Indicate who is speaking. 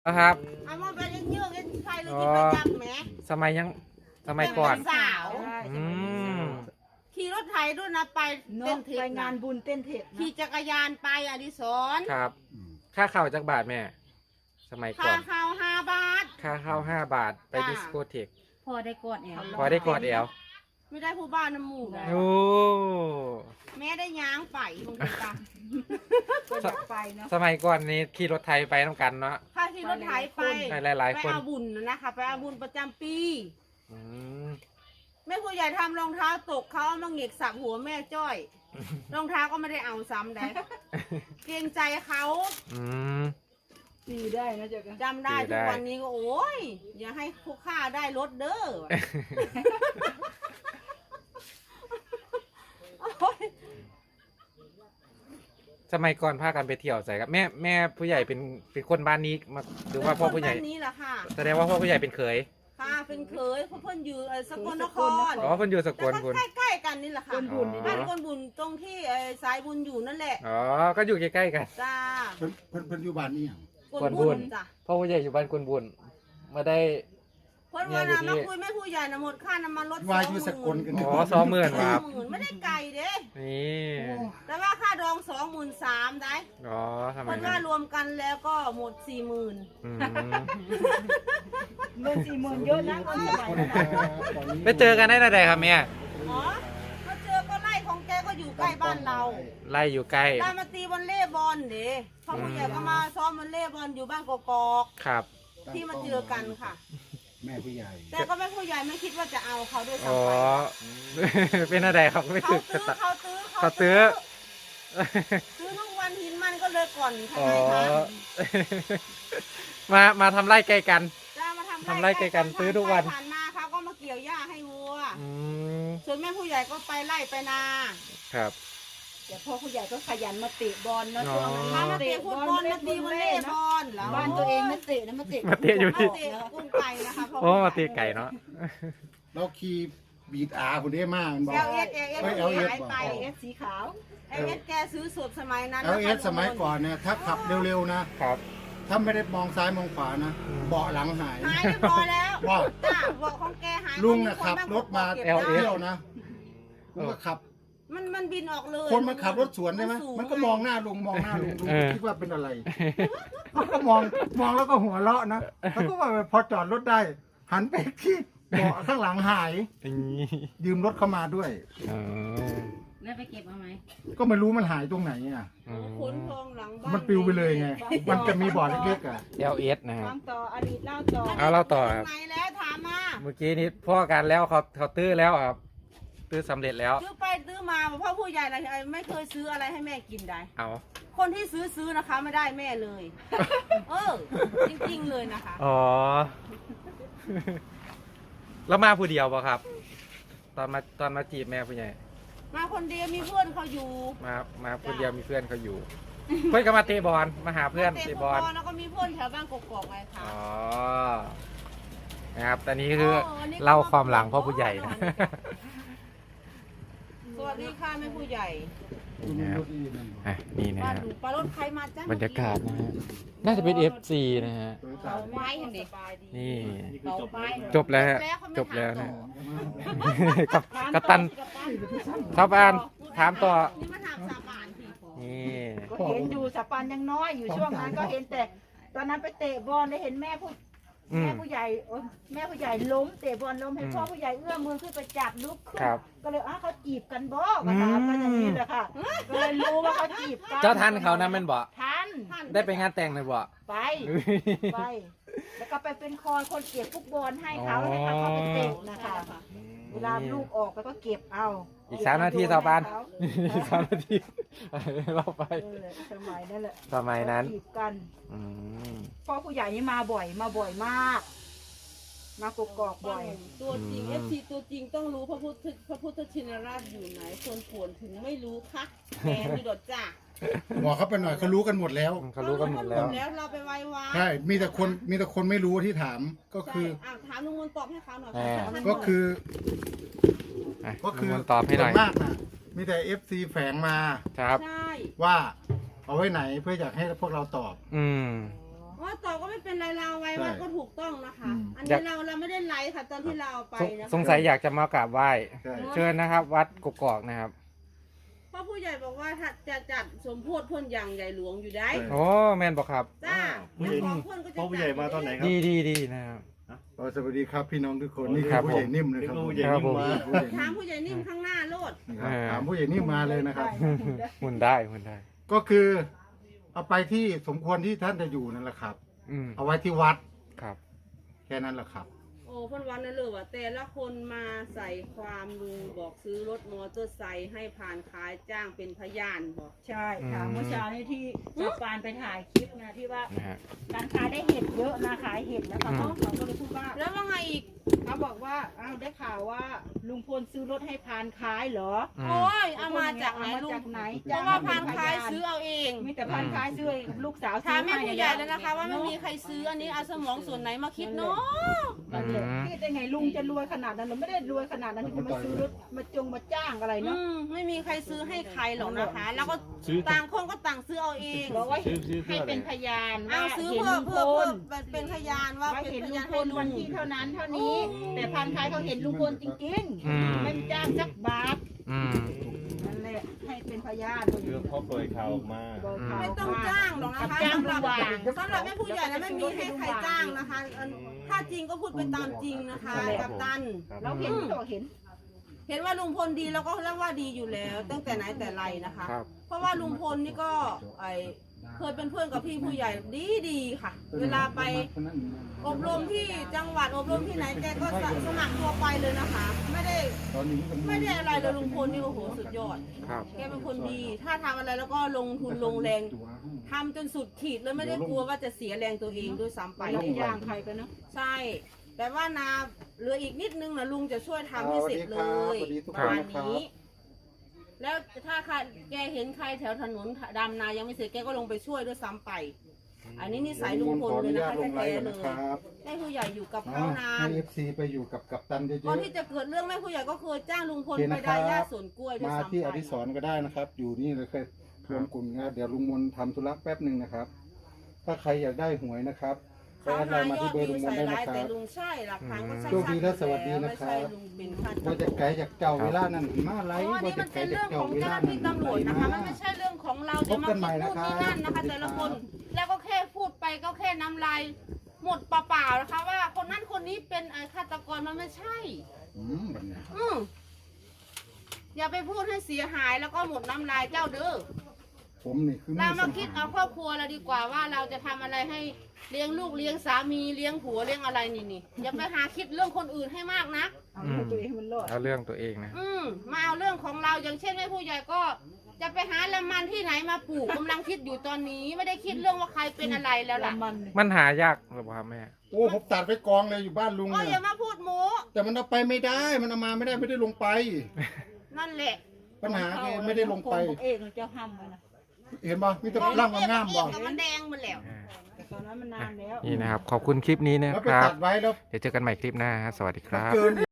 Speaker 1: นะครับ
Speaker 2: เอามาไปเยอะๆกันใครเลยที่ประจำแหม
Speaker 1: สมัยก่อน
Speaker 2: สาว
Speaker 1: อืม
Speaker 2: ขี่รถไถด้วยนะไปเต้นเท
Speaker 3: ไป
Speaker 2: ค
Speaker 3: งานบุญเต้นเทค
Speaker 2: ขี่จักรยานไปอดิศร
Speaker 1: ครับค่าเข้าจักบาทแม่สมัยก่
Speaker 2: ค่า
Speaker 1: อน
Speaker 2: ข้าว5 บาท
Speaker 1: ค่าเข้า5 บาทไป
Speaker 2: จ้า
Speaker 1: ดิสโกเทก
Speaker 3: พอได้กอดแอล
Speaker 1: พอได้กอดแอล
Speaker 2: ไม่ได้ผู้บ้านน้ำหมูก
Speaker 1: โอ้
Speaker 2: แม่ได้ย้างไปคงเป็นตา
Speaker 3: ก็ไปเนาะ
Speaker 1: สมัยก่อนนี้ขี่รถไทยไปน้ำกันเนาะ
Speaker 2: ค่าขี่รถไถไป
Speaker 1: ไปหลายๆ
Speaker 2: ไป
Speaker 1: คน
Speaker 2: เอาบุญนะคะไปเอาบุญประจำปี
Speaker 1: อืม
Speaker 2: แม่ผู้ใหญ่ทำรองเท้าตกเขาเอามาเหง็กสับหัวแม่จ้อยรองเท้าก็ไม่ได้เอาซ้ำได้เกรงใจเขา
Speaker 1: อืม
Speaker 3: ตีได้นะเจ๊กัน
Speaker 2: จำได้
Speaker 1: ได้
Speaker 2: ทุกวันนี้ก็โอ้ยอย่าให้ผู้ค่าได้รถเด้อโอ้ย
Speaker 1: สมัยก่อนพากันไปเที่ยวใส่ครับแม่ผู้ใหญ่เป็นคนบ้านนี้มาหรือว่าพ่อผู้ใหญ่
Speaker 2: เป็นคนบ้านนี้แหละค่ะ
Speaker 1: แสดงว่าพ่อผู้ใหญ่เป็นเขย
Speaker 2: ค่ะเป็นเคยเพราะเพิ่นอยู่สกลนคร
Speaker 1: อ๋อเพิ่นอยู่สก
Speaker 2: แต่
Speaker 1: ล
Speaker 2: ก็
Speaker 1: คุณ
Speaker 2: ใกล้ๆกันนี่แหละค่ะ
Speaker 3: คนบุญนี่
Speaker 2: บ้าน
Speaker 3: นะ
Speaker 2: คนบุญตรงที่สายบุญอยู่นั่นแหละ
Speaker 1: อ๋อก็อยู่ใกล้ๆกัน
Speaker 2: จ้า
Speaker 4: เพิ่นอยู่บ้านนี่หยัง
Speaker 2: คนบุญจ้ะ
Speaker 1: พ่อผู้ใหญ่อยู่บ้านกวนบุญมาได้
Speaker 2: เพิ่นว่านะมาคุยแม่ผู้ใหญ่นะหมดค่าน้ำมันรถ
Speaker 4: ว่าอยู่สกลกัน
Speaker 1: อ๋อ20,000ครับ
Speaker 2: 20,000ไม่ได้ไกลเด้
Speaker 1: นี่
Speaker 2: แต่ว่าค่าดอง23,000ได้
Speaker 1: อ๋อทำไม
Speaker 2: เพิ่น
Speaker 1: นะ
Speaker 2: ว่ารวมกันแล้วก็หมด40,000
Speaker 1: อืม
Speaker 3: เงิน40,000เยอะนะคนสมัยนั้น
Speaker 1: ไปเจอกันได้ไหนครับแม่
Speaker 2: อ๋อก็เจอก็ไล่ของแกก็อยู่ใกล้บ้านเรา
Speaker 1: ไล่อยู่ใกล้
Speaker 2: ได้มาตีวอลเลย์บอลเด้พ่อผู้ใหญ่ก็มาซ้อมวอลเลย์บอลอยู่บ้านกอก
Speaker 1: ครับ
Speaker 2: ๆที่มาเจอกันค่ะ
Speaker 4: แม่ผู้ใหญ่
Speaker 2: แต่ก็แม่ผู้ใหญ่ไม่คิดว่าจะเอาเขาด้วย
Speaker 1: อ๋อ
Speaker 2: ซ้ำไป
Speaker 1: เป็นอะไรครับไม่
Speaker 2: เขา
Speaker 1: ถึก
Speaker 2: ตื้อเขาตื้อ
Speaker 1: เขาตื้อ
Speaker 2: ซื้อทุกวันหินมันก็เลยก่อนทำ
Speaker 1: อ๋อ
Speaker 2: ไมคะ
Speaker 1: มาทำไร่ใกล้กัน
Speaker 2: จะมา
Speaker 1: ทำไร่ไกลกันซื้อทุกวัน
Speaker 2: ผ่านมาเขาก็มาเกี่ยวหญ้าให้วัว
Speaker 1: อืม
Speaker 2: ส่วนแม่ผู้ใหญ่ก็ไปไล่ไปนา
Speaker 1: ครับ
Speaker 3: เดี๋ยวพ่อผู้ใหญ่ก็ขยันมาเตะบอลเนาะ
Speaker 1: อ๋อ
Speaker 3: ช่วงนั้น
Speaker 2: มาเตะฟุตบอลมาตีวอลเลย์บอลเหรอ
Speaker 3: บ้านตัวเองไม่เตะนะมาเตะ
Speaker 1: มาเตะอยู่ที่
Speaker 2: มาเตะกุ้งไก่นะคะพ่
Speaker 1: โอ้มาตีไก่เนาะ
Speaker 4: เราขี่บีดอาคนนี้มากมันบอก
Speaker 2: เอลเอสเอลเอส
Speaker 4: LS
Speaker 2: หายไป
Speaker 3: เอฟสีขาว
Speaker 2: เอลเอสแกซื้อสดสมัยนั้น
Speaker 4: LS สมัยก่อนเนี่ยถ้าขับเร็วๆนะ
Speaker 1: ครับ
Speaker 4: ถ้าไม่ได้มองซ้ายมองขวานะเบาะหลังหาย
Speaker 2: หายเรียบร้อยแล้ว
Speaker 4: ว่า
Speaker 2: จ้าบอกของแกหาย
Speaker 4: ลุงนะขับรถมา
Speaker 2: เก็บ
Speaker 4: เที่
Speaker 2: ได้
Speaker 4: ยวนะลุงก็ขับ
Speaker 2: มันบินออกเลย
Speaker 4: คนมันขับรถสวนได้ไหม
Speaker 2: สูง
Speaker 4: มันก็มองหน้าลุงมองหน้าลุงลุง
Speaker 1: เออ
Speaker 4: คิดว่าเป็นอะไรมันก็มองแล้วก็หัวเราะนะแล้วก็ว่าพอจอดรถได้ หันไปที่เบาะข้างหลังหาย
Speaker 1: อย่างนี้
Speaker 4: ยืมรถเข้ามาด้วย
Speaker 1: อ๋อ
Speaker 3: แล้วไปเก็บเอาไหม
Speaker 4: ก็ไม่รู้มันหายตรงไหนอ่ะ
Speaker 1: อ๋อ
Speaker 2: ขนทองหลังบ้าน
Speaker 4: มันปลิวไปเลยไง มันจะมีบ่อเล็กๆอ่ะ
Speaker 1: LS นะครับ
Speaker 3: ฟังต่ออดีตเล่าต่อ
Speaker 1: เอาเล่าต่อครับ
Speaker 2: ไหนแล้วถามมา
Speaker 1: เมื่อกี้นี้พ่อกันแล้วเขาตื้อแล้วครับ ตื้อสำเร็จแล้ว
Speaker 2: ซื้อไปซื้อมาพ่อผู้ใหญ่อะไรไม่เคยซื้ออะไรให้แม่กินได้
Speaker 1: เอา
Speaker 2: คนที่ซื้อนะคะไม่ได้แม่เลย เออ จริงๆเลยนะคะ
Speaker 1: อ๋อ แล้วมาผู้เดียวป่ะครับ ตอนมาจีบแม่ผู้ใหญ่
Speaker 2: มาคนเดียวมีเพื่อนเขาอยู่
Speaker 1: มาผู้เดียวมีเพื่อนเขาอยู่ เพื่อนก็มาเตะบอลมาหาเพื่อน
Speaker 2: เตะ
Speaker 1: เตะ
Speaker 2: ฟุต
Speaker 1: บบ อ
Speaker 2: อ
Speaker 1: ล
Speaker 2: ลแล้วก็มีเพื่อนแถวบ้านกอกๆไงคะ
Speaker 1: อ๋อ นะครับ ตอนนี้คือ
Speaker 2: วันนี้ก็
Speaker 1: เล่าความหลังพ่อผู้ใหญ่นะ
Speaker 2: สวัสดีค่ะแม่ผู้ใหญ่
Speaker 1: นี่นะครับอ่ะนี่นะ
Speaker 2: บ้าน
Speaker 1: ฮะ
Speaker 2: หนูปลารถใครมาจ้า
Speaker 1: บรรยากาศนะฮะ น่าจะเป็น FC นะฮะ
Speaker 2: เขาไม้อย่างเด็ก
Speaker 1: นี่
Speaker 2: เขาไม้
Speaker 1: จบแล้วฮะ จบแล้วนะ กับตันครับอ่านถามต่อ
Speaker 2: นี่มาถามสาบานพี่
Speaker 1: นี่
Speaker 3: ก็เห็นอยู่สปันยังน้อยอยู่ช่วงนั้นก็เห็นแต่ ตอนนั้นไปเตะบอลได้เห็นแม่ผู้ใหญ่แม่ผู้ใหญ่ล้มเตะบอลล้มให้พ่อผู้ใหญ่เอื้อมมือขึ้นไปจับลุกขึ้น
Speaker 1: ครับ
Speaker 3: ก็เลยเขาจีบกันบ่มาถามกันอย่างนี้แหละค่ะก็เลยรู้ว่าเขาจีบกัน
Speaker 1: เจ้าทันเขานะแม่นบอก
Speaker 3: ทัน
Speaker 1: ได้ไปงานแต่งเลยบอก
Speaker 3: ไป แล้วก็ไปเป็นคอยคนเก็บฟุตบอลให้เขาให้เขาเข้าไปเตะนะคะ เวลาลูกออกก็เก็บเอา
Speaker 1: อีก3 นาทีสาวบานอีก3 นาทีเราไป
Speaker 3: สมัยนั่นแหละ
Speaker 1: สมัยนั้น
Speaker 3: จีบกัน
Speaker 1: อืม
Speaker 3: พ่อผู้ใหญ่นี่มาบ่อยมาก มากกอกบ่อย
Speaker 2: ตัวจริง FC ตัวจริงต้องรู้พระพุทธชินราชอยู่ไหนคนป่วนถึงไม่รู้คะแกนี่ดดจ้า
Speaker 4: บอกเขาไปหน่อยเขารู้กันหมดแล้ว
Speaker 1: เขารู้กันหมดแล้ว
Speaker 2: แล้วเราไปไว้วา
Speaker 4: ใช่ มีแต่คนไม่รู้ที่ถาม ก็คือ
Speaker 2: ถามลุงมนตอบให้เขาหน่อย
Speaker 4: ก็คือ
Speaker 1: อ่ะ
Speaker 4: ก็คือ
Speaker 1: ลุงมนตอบให้หน่อย
Speaker 4: ส่วนมากนะมีแต่ FC แฝงมา
Speaker 1: ครับ
Speaker 2: ใช่
Speaker 4: ว่าเอาไว้ไหนเพื่ออยากให้พวกเราตอบ
Speaker 1: อืม
Speaker 2: ว่าต่อก็ไม่เป็นไรเราเอาไว้ว่าก็ถูกต้องนะคะ
Speaker 4: อืม
Speaker 2: อันนี้เราไม่ได้ไลฟ์ค่ะตอนที่เราเอาไปนะคะ
Speaker 1: สงสัยอยากจะมากราบไหว้
Speaker 4: ใช่
Speaker 1: เชิญนะครับ วัดกกอกนะครับ
Speaker 2: เพราะผู้ใหญ่บอกว่าถ้าจะจัดสมโพธิเพ่นอย่างใหญ่หลวงอยู่ได้
Speaker 1: โอ้แม่นบอกครับ
Speaker 2: จ้า
Speaker 5: ผู้ใหญ่
Speaker 2: ของเพ่นก็จะ
Speaker 5: พ่อผู้ใหญ่มาตอนไหนครับ
Speaker 1: ดีนะครับ
Speaker 4: สวัสดีครับพี่น้องทุกคนนี่
Speaker 1: ค
Speaker 4: คื
Speaker 1: รั
Speaker 4: อบ ผู้ใหญ่
Speaker 1: ผม
Speaker 4: นิ่มนะครับ
Speaker 5: ผู้ใหญ่
Speaker 1: ครับผม
Speaker 5: นิ่มมา
Speaker 4: ผู้ใหญ่
Speaker 2: ถาม
Speaker 4: นิ่ม
Speaker 2: ผู้ใหญ่นิ่มข้างหน้าโลด
Speaker 4: นะครับถามผู้ใหญ่นิ่มมาเลยนะครับ
Speaker 1: หมุนได้หมุนได้
Speaker 4: ก็คือเอาไปที่สมควรที่ท่านจะอยู่นั่นแหละครับ
Speaker 1: อืม
Speaker 4: เอาไว้ที่วัด
Speaker 1: ครับ
Speaker 4: แค่นั้นแหละครับ
Speaker 2: โอ้เพ่นวันนั่นเลยว่าแต่ละคนมาใส่ความลุงบอกซื้อรถมอเตอร์ไซค์ให้ผ่านขายจ้างเป็นพยานบอก
Speaker 3: ใช่ค่ะ
Speaker 1: อืม
Speaker 3: เมื่อเช้านี้ที่ป้าปานไปถ่ายคลิปนะที่ว่า
Speaker 1: นะฮะ
Speaker 3: การขายได้เห็ดเยอะนะขายเห็ดแล้วเขาก็เลยพูดว่า
Speaker 2: แล้วว่าไงอีก
Speaker 3: เขาบอกว่าอ้าวได้ข่าวว่าลุงพลซื้อรถให้พานขายเหรอ
Speaker 1: อืม
Speaker 2: โอ้ยเอามาจากไหน
Speaker 3: เอมา
Speaker 2: ลุ
Speaker 3: จาก
Speaker 2: ง
Speaker 3: ไหน
Speaker 2: เพราะว่าพานขายซื้อเอาเอง
Speaker 3: มีแต่พานขายซื้อให้ลูกสาว
Speaker 2: ถามแม่ผู้ใหญ่แล้วนะคะ ว่าไม่มีใครซื้ออันนี้เอาสมองส่วนไหนมาคิดเนาะ
Speaker 3: นั่นแหละคิดได้ไงลุงจะรวยขนาดนั้นหรือไม่ได้รวยขนาดนั้นที่จะมาซื้อรถมาจ้างอะไรเนาะ
Speaker 2: ไม่มีใครซื้อให้ใครหรอกนะคะ แล้วก็
Speaker 5: ซื้อ
Speaker 2: ต่างคนก็ต่างซื้อเอาเอง
Speaker 3: บอกว่า
Speaker 5: ซื้อ
Speaker 3: ให้เป็นพยาน
Speaker 2: เอา
Speaker 3: ว่า
Speaker 2: ซื้อ
Speaker 3: เห็น
Speaker 2: เพื่อ
Speaker 3: ลุงพ
Speaker 2: เพื่อ
Speaker 3: ล
Speaker 2: เป็นพยานว่า
Speaker 3: ว่า
Speaker 2: เป็น
Speaker 3: เห็น
Speaker 2: พ
Speaker 3: ลุง
Speaker 2: ยาน
Speaker 3: พ
Speaker 2: ให้
Speaker 3: ล
Speaker 2: ลุ
Speaker 3: วัน
Speaker 2: ง
Speaker 3: ที่เท่านั้นเท่านี้ แต่พันท้ายเขาเห็นลุงพลจริง
Speaker 1: อืม
Speaker 3: ๆไม่จ้างสักบาท
Speaker 1: อืม
Speaker 3: นั่นแหละให้เป็นพยาน
Speaker 5: เรื่องเขาเปิดข่าวออกมา
Speaker 2: ไม่ต้องจ้างหรอกนะคะ
Speaker 3: จ้าง
Speaker 2: สำหรับ
Speaker 3: วาง
Speaker 2: สำหรับแม่ผู้ใหญ่นะไม่มีให้ใครจ้างนะคะถ้าจริงก็พูดไปตามจริงนะคะกับตัน
Speaker 3: เราเห็นเราเห็น
Speaker 2: เห็นว่าลุงพลดีแล้วก็เรียกว่าดีอยู่แล้ว ตั้งแต่ไหนแต่ไรนะคะ
Speaker 1: ครับ
Speaker 2: เพราะว่าลุงพลนี่ก็เคยเป็นเพื่อนกับพี่ผู้ใหญ่ดีค่ะ เวลาไปอบรมที่จังหวัดอบรมที่ไหนแกก็สมัครตัวไปเลยนะคะ ไม่ได้อะไรเลยลุงพลนี่โอ้โหสุดยอด
Speaker 1: ครับ
Speaker 2: แกเป็นคนดี ถ้าทำอะไรแล้วก็ลงทุนลงแรงทำจนสุดขีดแล้วไม่ได้กลัวว่าจะเสียแรงตัวเองด้วยซ้ำไป
Speaker 3: ไปแล้วย่างใครกันเนาะ
Speaker 2: ใช่ แต่ว่านาเหลืออีกนิดนึงนะลุงจะช่วยทำให้เสร็จเลย
Speaker 4: สวัสดีทุก
Speaker 2: ป
Speaker 4: คน
Speaker 2: ระมาณ
Speaker 4: นะครับ
Speaker 2: นี้ แล้วถ้าใครแกเห็นใครแถวถนนดำนายังไม่เสร็จแกก็ลงไปช่วยด้วยซ้ำไป อันนี้นิสัยลุงพลเลยนะคะ
Speaker 4: ลงไล
Speaker 2: แท้
Speaker 4: น์
Speaker 2: ๆเล
Speaker 4: นะ
Speaker 2: ย
Speaker 4: ครับ
Speaker 2: ให้ผู้ใหญ่อยู่กับเขานาน
Speaker 4: ให้ FC ไปอยู่กับกัปตันเย
Speaker 2: ก่อน
Speaker 4: อะ
Speaker 2: ที่จะเกิดเรื่องแม่ผู้ใหญ่ก็เคยจ้างลุงพล
Speaker 4: โอเค
Speaker 2: ไป
Speaker 4: นะครับ
Speaker 2: ได้ย่าสวนกล้วย
Speaker 4: ๆ
Speaker 2: ด้วย
Speaker 4: มา
Speaker 2: ซ้ำ
Speaker 4: ที่อ
Speaker 2: ไป
Speaker 4: ดิศรก็ได้นะครับ อยู่นี่เลยเคยรวมกลุ่มนะครับเดี๋ยวลุงมนทำธุระแป๊บหนึ่งนะครับ ถ้าใครอยากได้หวยนะครับไป
Speaker 2: เขา
Speaker 4: แอดไล
Speaker 2: หา
Speaker 4: น์มาย
Speaker 2: อ
Speaker 4: ที่
Speaker 2: ด
Speaker 4: เบอร์
Speaker 2: วิ
Speaker 4: ลุ
Speaker 2: ว
Speaker 4: งมน
Speaker 2: ใส่
Speaker 4: ได้นะ
Speaker 2: ร้าย
Speaker 4: ค
Speaker 2: แต่
Speaker 4: รับ
Speaker 2: ลุงใช่หลักฐานก็ใช่
Speaker 4: โชคดีและสวัสดีนะครั
Speaker 2: ไม่
Speaker 4: บ
Speaker 2: ใช่ลุงเป็นฆาตก
Speaker 4: ว่าจะ
Speaker 2: ร
Speaker 4: ไกลจากเจ้าเวลานั้นมาไล
Speaker 2: อ๋อ
Speaker 4: ฟ์
Speaker 2: อัน
Speaker 4: ว่า
Speaker 2: นี้
Speaker 4: จะ
Speaker 2: มัน
Speaker 4: ไกล
Speaker 2: เป็น
Speaker 4: จาก
Speaker 2: เรื่อง
Speaker 4: เจ้า
Speaker 2: ของ
Speaker 4: เว
Speaker 2: เจ้าห
Speaker 4: ลา
Speaker 2: น้า
Speaker 4: นั้น
Speaker 2: ที่ตำรวจนะคะ มันไม่ใช่เรื่องของเราจะมา
Speaker 4: พบกันใหม่
Speaker 2: พูด
Speaker 4: นะครับ
Speaker 2: นี่นั่นนะคะ แต่ละคน แล้วก็แค่พูดไปก็แค่น้ำลายหมดเปล่าๆนะคะ ว่าคนนั้นคนนี้เป็นฆาตกรมันไม่ใช่
Speaker 4: แบบเนี้ย
Speaker 2: อย่าไปพูดให้เสียหายแล้วก็หมดน้ำลายเจ้าเด้อ
Speaker 4: ผมนี่คือ
Speaker 2: เรามาคิดเอาครอบครัวเราดีกว่าว่าเราจะทำอะไรให้เลี้ยงลูกเลี้ยงสามีเลี้ยงผัวเลี้ยงอะไรนี่อย่าไปหาคิดเรื่องคนอื่นให้มากนะ
Speaker 3: เอาให้ตัวเองมันรอด
Speaker 1: เอาเรื่องตัวเองนะ
Speaker 2: มาเอาเรื่องของเราอย่างเช่นแม่ผู้ใหญ่ก็จะไปหาละมันที่ไหนมาปลูกกำลังคิดอยู่ตอนนี้ไม่ได้คิดเรื่องว่าใครเป็นอะไรแล้วล่ะ
Speaker 3: มัน
Speaker 1: มันหายากหรือเปล่าครับแม่
Speaker 4: โอ้ผมตัดไปกองเลยอยู่บ้านลุง
Speaker 2: ก็อ
Speaker 4: เนี่
Speaker 2: ย่าย มาพูดโม้
Speaker 4: แต่มันเอาไปไม่ได้ มันเอามาไม่ได้ไม่ได้ลงไป
Speaker 2: นั่นแหละ
Speaker 4: ปัญหาคือไม่ได้ลงไป
Speaker 3: เองเจ้าห้ามไว้นะ
Speaker 4: เห็นป่ะมีแต่ร่างงามๆบ่
Speaker 2: กับมันแดงหมดแล้ว
Speaker 3: แต่ตอนนั้นมันนานแล้ว
Speaker 1: นี่นะครับ ขอบคุณคลิปนี้นะ
Speaker 4: แล้ว
Speaker 1: ค
Speaker 4: ไป
Speaker 1: รับ
Speaker 4: ตัดไว้แล้ว
Speaker 1: เดี๋ยวเจอกันใหม่คลิปหน้าฮะสวัสดีครับ
Speaker 4: เกิน